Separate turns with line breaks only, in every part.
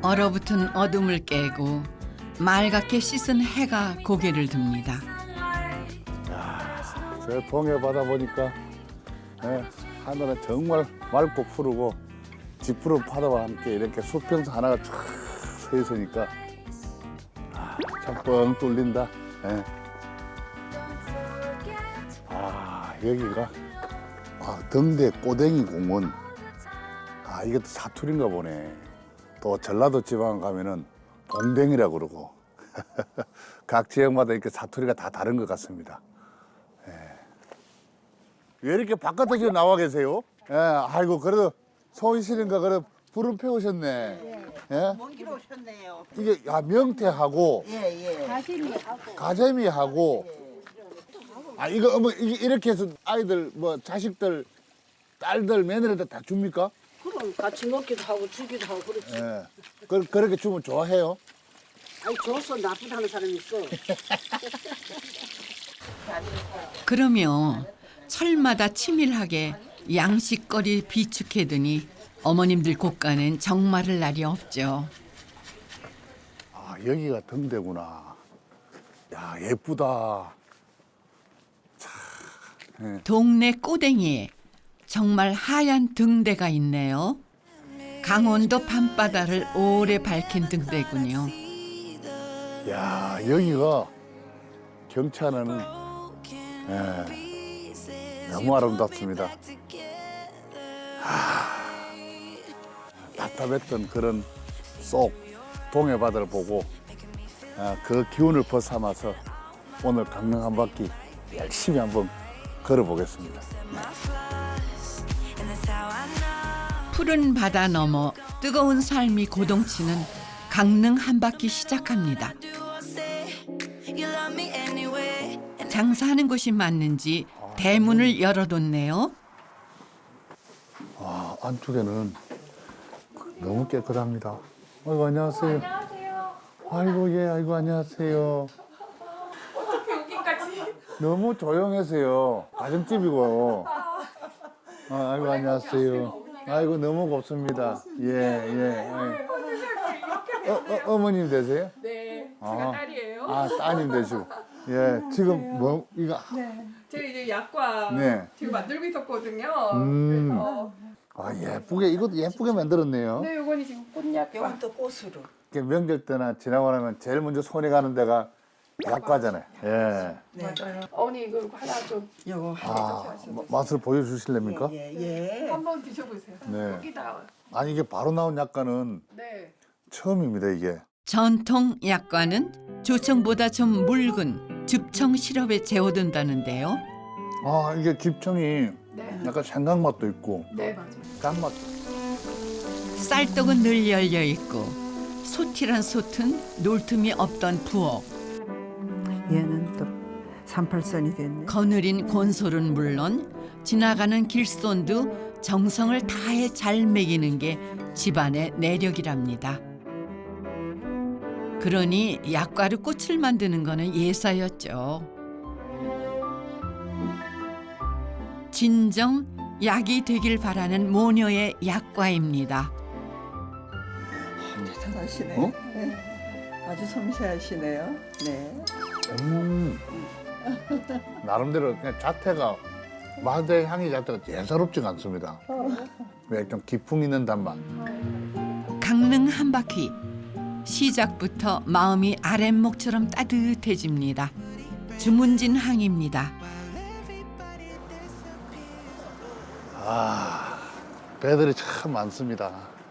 얼어붙은 어둠을 깨고 맑게 씻은 해가 고개를 듭니다.
저 동해 바다 보니까 하늘은 정말 맑고 푸르고 짙푸른 파도와 함께 이렇게 수평선 하나가 쫙 서 있으니까 참 뻥 뚫린다. 예. 여기가 등대 꼬댕이 공원. 이것도 사투리인가 보네. 또 전라도 지방 가면은 동댕이라고 그러고 각 지역마다 이렇게 사투리가 다 다른 것 같습니다. 왜 이렇게 바깥에 나와 계세요? 아이고 그래도 소원 씨는가 그래 불은 피우셨네. 예?
먼 길 오셨네요.
이게 명태하고
예.
가재미하고 이거 어머 이게 이렇게 해서 아이들 뭐 자식들 딸들 며느리들 다 줍니까?
그럼 같이 먹기도 하고 주기도 하고 그렇지.
예. 그렇게 주면 좋아해요?
아니 줘서 나쁘다는 사람이 있어.
그러며 철마다 치밀하게 양식거리 비축해두니 어머님들 곳간엔 정말을 날이 없죠.
여기가 등대구나. 야 예쁘다.
동네 꼬댕이에 정말 하얀 등대가 있네요. 강원도 밤바다를 오래 밝힌 등대군요.
야 여기가 경치하는 너무 아름답습니다. 답답했던 그런 속 동해 바다를 보고 그 기운을 벗삼아서 오늘 강릉 한 바퀴 열심히 한번 걸어보겠습니다.
푸른 바다 너머 뜨거운 삶이 고동치는 강릉 한 바퀴 시작합니다. 장사하는 곳이 맞는지 대문을 열어뒀네요.
안쪽에는 너무 깨끗합니다. 아이고 안녕하세요.
안녕하세요.
아이고 안녕하세요.
어떻게 여기까지?
너무 조용해서요. 가정집이고. 아이고 안녕하세요. 아이고 너무 곱습니다. 예. 어머님 되세요?
네, 제가 딸이에요.
따님 되시고. 예, 지금 뭐 이거
네, 제가 이제 약과
네.
지금 만들고 있었거든요.
음.
그래서
예쁘게 이것도 예쁘게 만들었네요.
네, 요거는 지금 꽃약과.
이건 또 꽃으로.
이렇게 명절 때나 지나고 나면 제일 먼저 손이 가는 데가 약과잖아요. 예.
맞아요. 어머니 이거 하나 좀
요거
맛을 보여주실랍니까?
예.
한번 드셔보세요.
네.
여기다.
아니 이게 바로 나온 약과는
네.
처음입니다 이게.
전통 약과는 조청보다 좀 묽은 즙청 시럽에 재워둔다는데요.
이게 깁청이
네.
약간 생강 맛도 있고
네, 맞아요.
짠맛.
쌀떡은 늘 열려 있고 소티란 솥은 놀 틈이 없던 부엌.
얘는 또 38선이 됐네.
거느린 곤솔은 물론 지나가는 길손도 정성을 다해 잘 먹이는 게 집안의 내력이랍니다. 그러니 약과로 꽃을 만드는 거는 예사였죠. 진정 약이 되길 바라는 모녀의 약과입니다.
대단하시네.
어?
네. 아주 섬세하시네요. 네.
나름대로 그냥 자태가 마대 향이 자태가 예사롭지가 않습니다. 왜 좀 기풍 있는 단맛.
강릉 한 바퀴 시작부터 마음이 아랫목처럼 따뜻해집니다. 주문진 항입니다.
배들이 참 많습니다.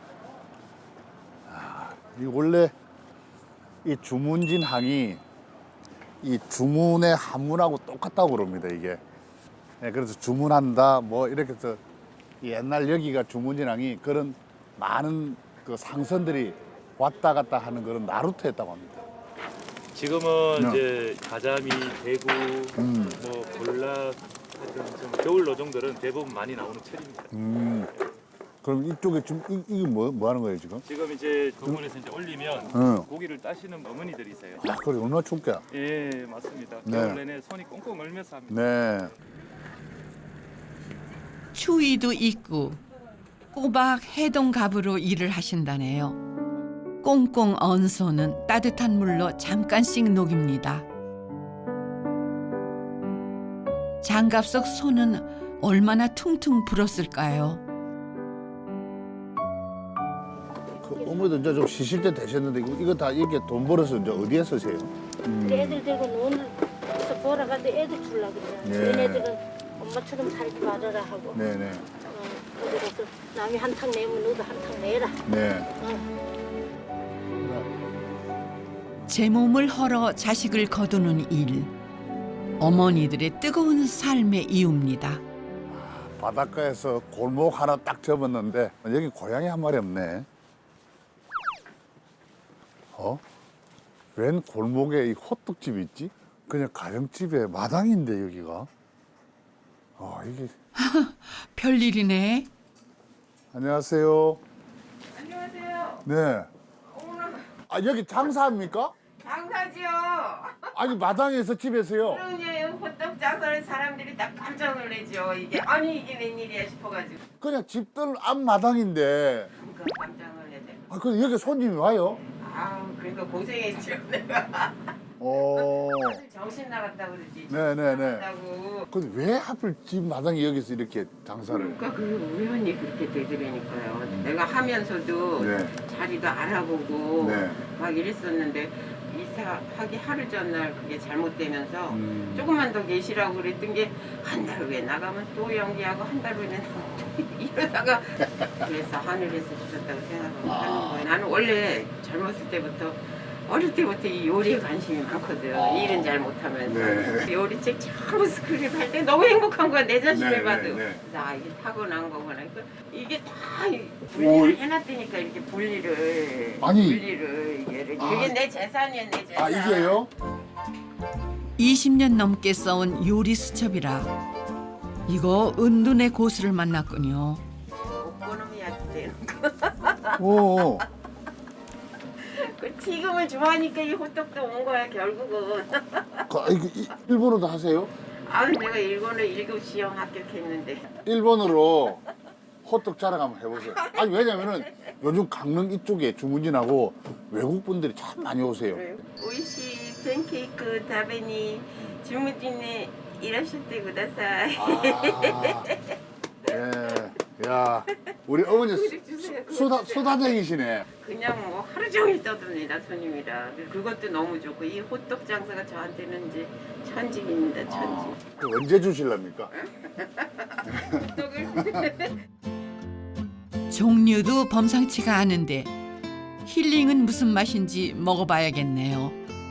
이 원래 이 주문진 항이 이 주문의 한문하고 똑같다고 그럽니다 이게. 그래서 주문한다 뭐 이렇게 해서 옛날 여기가 주문진 항이 그런 많은 그 상선들이 왔다 갔다 하는 그런 나루터였다고 합니다.
지금은
네.
이제 가자미, 대구, 뭐 볼락, 하여튼 좀 겨울 어종들은 대부분 많이 나오는 철입니다.
그럼 이쪽에 지금 이게 뭐 하는 거예요 지금?
지금 이제 동물에서 이제 올리면
응.
고기를 따시는 어머니들이세요.
그래 얼마나 춥게.
예, 맞습니다.
네.
겨울 내내 손이 꽁꽁 얼면서 합니다.
네.
추위도 있고 꼬박 해동갑으로 일을 하신다네요. 꽁꽁 언 손은 따뜻한 물로 잠깐씩 녹입니다. 장갑 속 손은 얼마나 퉁퉁 불었을까요?
그 어머니도 이제 좀 쉬실 때 되셨는데 이거 다 이렇게 돈 벌어서 이제 어디에 쓰세요?
애들 데리고 논에서 보러 가는데 애들 주려고 그래.
네.
얘네들은 엄마처럼 살지 말아라 하고.
네네.
어디 가서 남이 한탕 내면 너도 한탕 내라.
네.
제 몸을 헐어 자식을 거두는 일. 어머니들의 뜨거운 삶의 이유입니다.
바닷가에서 골목 하나 딱 접었는데 여기 고양이 한 마리 없네. 웬 골목에 이 호떡집이 있지? 그냥 가정집에 마당인데 여기가. 이게.
별일이네.
안녕하세요.
안녕하세요.
네. 여기 장사합니까?
장사지요.
아니 마당에서 집에서요.
그러냐 호떡 장사를 사람들이 딱 깜짝 놀라죠. 이게 아니 이게 웬일이야 싶어가지고
그냥 집들 앞 마당인데.
그러니까 깜짝 놀라죠.
근데 여기 손님이 와요?
아 그러니까 고생했죠 내가.
어.
정신 나갔다 그러지.
네네네.
나갔다고.
근데 왜 하필 집 마당에 여기서 이렇게 장사를?
그러니까 그게 우연히 그렇게 되더라니까요. 내가 하면서도
네.
자리도 알아보고
네.
막 이랬었는데 이사하기 하루 전날 그게 잘못되면서
음.
조금만 더 계시라고 그랬던 게 한 달 후에 나가면 또 연기하고 한 달 후에 나가면 또 이러다가 그래서 하늘에서 주셨다고 생각을 하는 거예요. 나는 원래 젊었을 때부터 어릴 때부터 이 요리에 관심이 많거든. 일은 잘 못하면서.
네.
요리책 전부 스크립 할 때 너무 행복한 거야. 내 자신을
네,
봐도.
네, 네.
나 이게 타고난 거구나. 그러니까 이게 다 분리를 해놨다니까 이렇게 분리를.
아니.
분리를. 이게 내 재산이야 내 재산.
이게요?
20년 넘게 써온 요리 수첩이라 이거 은둔의 고수를 만났군요.
오코노미야키 되는 거.
오.
그 튀김을 좋아하니까 이 호떡도 온 거야 결국은.
일본어도 하세요?
아 내가 일본어 1급 시험 합격했는데.
일본어로 호떡 자랑 한번 해보세요. 아니 왜냐면은 요즘 강릉 이쪽에 주문진하고 외국 분들이 참 많이 오세요.
오이시 팬케이크 다베니 주무진에 이라시테 구다사이.
예. 야, 우리 어머니 수다쟁이시네.
그냥 뭐 하루 종일 떠듭니다 손님이라. 그것도 너무 좋고 이 호떡 장사가 저한테는 이제 천직입니다 천직.
언제 주실랍니까?
호떡을
종류도 범상치가 않은데 힐링은 무슨 맛인지 먹어봐야겠네요.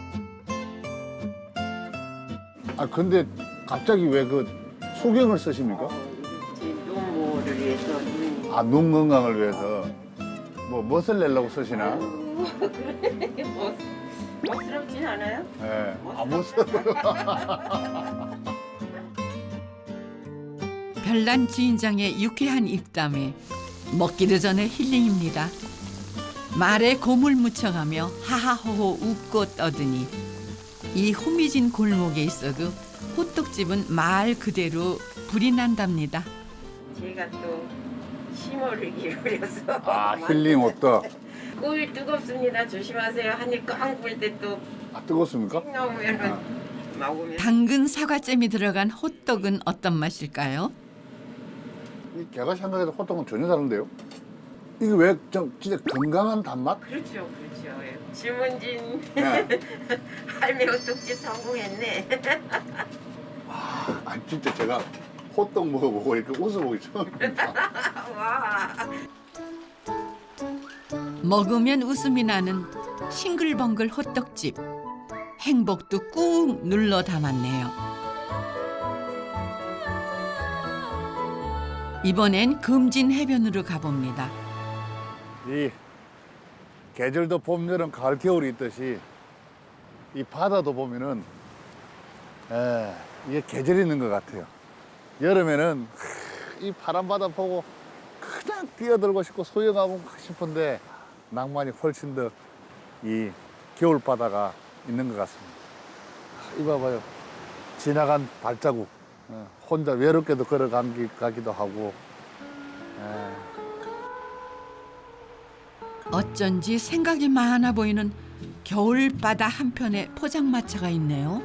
근데 갑자기 왜 그 소경을 쓰십니까?
제 노모를 위해서
눈 건강을 위해서 멋을 내려고 쓰시나?
그래 멋스럽진 않아요?
예. 멋을.
별난 주인장의 유쾌한 입담에 먹기도 전에 힐링입니다. 말에 곰을 묻혀가며 하하호호 웃고 떠드니 이 호미진 골목에 있어도 호떡집은 말 그대로 불이 난답니다.
제가 또 심혈을 기울여서
힐링 호떡.
꿀 뜨겁습니다. 조심하세요. 한입 꽝 불 때 또
뜨겁습니까?
나오면은 먹으면
당근 사과잼이 들어간 호떡은 어떤 맛일까요?
제가 생각해도 호떡은 전혀 다른데요? 이게 왜 진짜 건강한 단맛?
그렇죠, 그렇죠. 예. 주문진
네.
할매 호떡집 성공했네.
아니 진짜 제가 호떡 먹어보고 이렇게 웃어보기 처음입니다.
와.
먹으면 웃음이 나는 싱글벙글 호떡집. 행복도 꾹 눌러 담았네요. 이번엔 금진 해변으로 가봅니다.
이 계절도 봄, 여름, 가을, 겨울이 있듯이 이 바다도 보면은 이게 계절이 있는 것 같아요. 여름에는 이 파란 바다 보고 그냥 뛰어들고 싶고 수영하고 싶은데 낭만이 훨씬 더 이 겨울 바다가 있는 것 같습니다. 이봐봐요. 지나간 발자국. 혼자 외롭게도 걸어가기도 하고.
어쩐지 생각이 많아 보이는 겨울바다 한편에 포장마차가 있네요.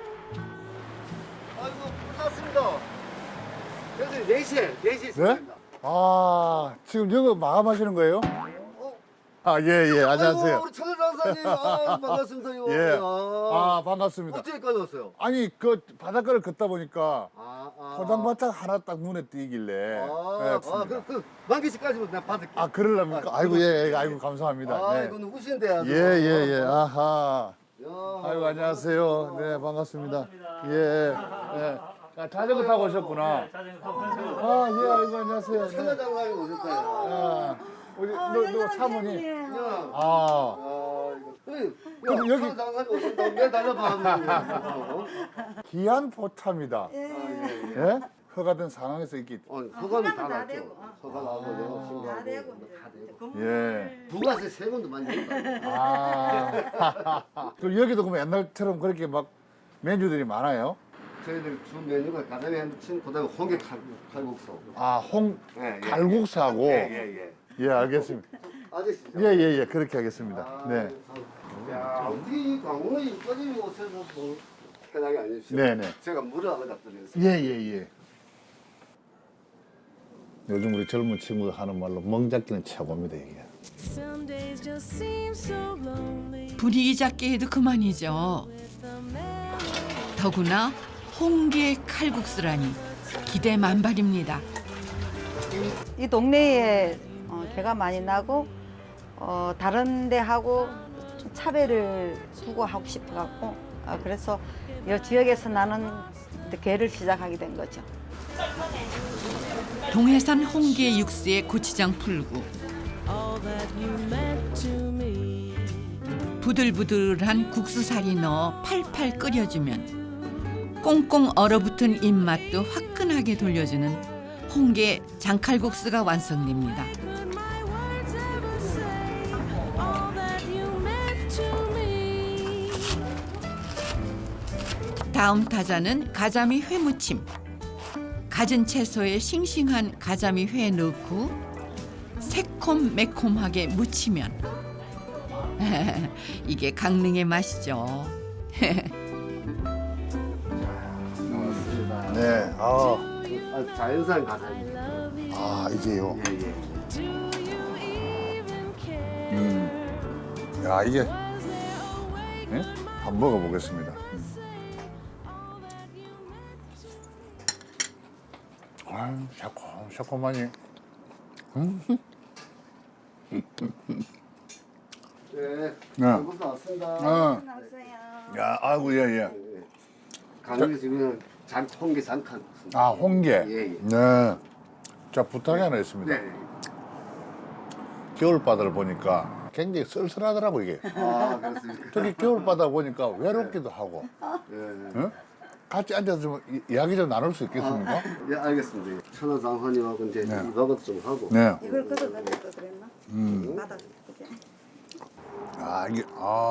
아이고 끝났습니다. 저희 4시에
네?
있습니다.
아, 지금 여기 마감하시는 거예요? 아, 예, 예. 안녕하세요.
아이고 우리 천연장사님 아, 반갑습니다. 이거.
예.
야.
아, 반갑습니다.
어떻게까지 왔어요?
아니, 그 바닷가를 걷다 보니까
아.
포장마차 하나 딱 눈에 띄길래. 네,
그 만기씨까지는 내가 받을게.
아, 그러려니까? 아이고, 예, 예. 아이고, 감사합니다.
아,
네.
이거 누구신데요?
예, 예, 예. 아하.
야.
아이고, 안녕하세요. 네, 반갑습니다. 예. 예. 아, 자전거 타고 오셨구나. 아, 예, 아이고, 안녕하세요. 네.
천연장사님 오셨다요.
아, 우리, 너 사모님.
야.
아.
그럼
여기-
천연장사님 오셨다고 내 달려봐.
귀한 포차입니다. 예? 허가된 상황에서 이렇게.
허감이 다 났죠. 허가하고 내가 신고하고 다 되고.
예.
부가세 세금도 많이 낸다.
아. 그럼 여기도 그럼 옛날처럼 그렇게 막 메뉴들이 많아요?
저희들 주 메뉴가 가자미 한무침, 그다음에 홍게 칼국수.
아,
예, 예.
갈국수하고.
예.
예, 알겠습니다.
아저씨죠?
예, 예, 예. 그렇게 하겠습니다. 네.
야, 어떻게 이 강릉에 여기까지 오셔서 뭐 편하게 아니시죠?
네네.
제가 물을 안 갖다 드렸어요.
예, 예, 예. 요즘 우리 젊은 친구들 하는 말로 멍잡기는 최고입니다, 이게.
분위기 잡게 해도 그만이죠. 더구나 홍게 칼국수라니 기대 만발입니다.
이 동네에 개가 많이 나고 다른 데하고 좀 차별을 두고 하고 싶어 갖고 그래서 이 지역에서 나는 개를 시작하게 된 거죠.
동해산 홍게 육수에 고추장 풀고 부들부들한 국수살이 넣어 팔팔 끓여주면 꽁꽁 얼어붙은 입맛도 화끈하게 돌려주는 홍게 장칼국수가 완성됩니다. 다음 타자는 가자미 회무침. 갖은 채소에 싱싱한 가자미 회 넣고 새콤매콤하게 무치면 이게 강릉의 맛이죠.
네.
자연산 가자미.
아, 이게요.
예.
야, 이게. 네? 한번 먹어보겠습니다. 아유, 새콤하니.
네.
네.
칼국수 왔습니다.
야, 아이고, 예, 예.
강릉에 지금 홍게 장칼국수.
아, 홍게.
예.
네. 자, 부탁이 하나 있습니다.
네.
겨울바다를 보니까 굉장히 쓸쓸하더라고, 이게.
아, 그렇습니까?
저기 겨울바다 보니까 외롭기도 하고.
네.
응? 같이 앉아서 좀 이야기 좀 나눌 수 있겠습니까?
예, 알겠습니다. 천하장사님하고 이제
네.
이박을 좀 하고.
네.
이걸 걷어 넣을 거 그랬나? 바닥 그지?
아, 이게,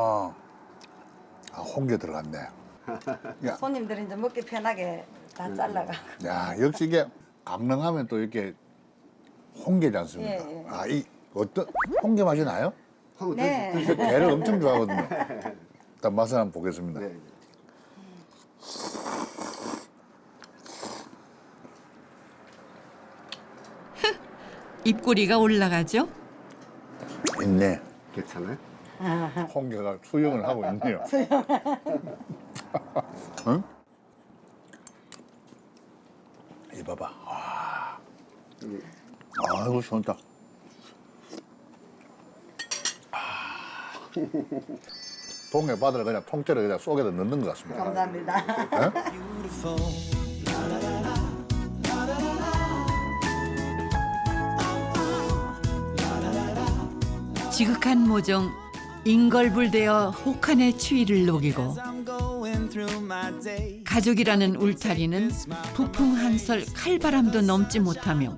홍게 들어갔네. 야,
손님들이 이제 먹기 편하게 다 잘라가.
야, 역시 이게 강릉하면 또 이렇게 홍게지 않습니까?
예, 예.
아, 이 어떤 홍게 맛이 나요?
한번
네.
드시-
저 게를 엄청 좋아하거든요. 일단 맛을 한번 보겠습니다.
네.
입꼬리가 올라가죠.
있네.
괜찮아요?
홍게가 수영을 하고 있네요. 응? 이 봐봐. 아이고, 시원하다. 동해 바다를 그냥 통째로 그냥 속에다 넣는 것 같습니다.
감사합니다.
지극한 모종 인걸불되어 혹한의 추위를 녹이고 가족이라는 울타리는 북풍 한설 칼바람도 넘지 못하며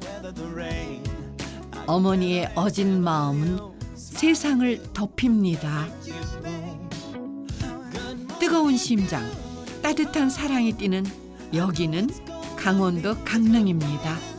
어머니의 어진 마음은 세상을 덮입니다. 뜨거운 심장, 따뜻한 사랑이 뛰는 여기는 강원도 강릉입니다.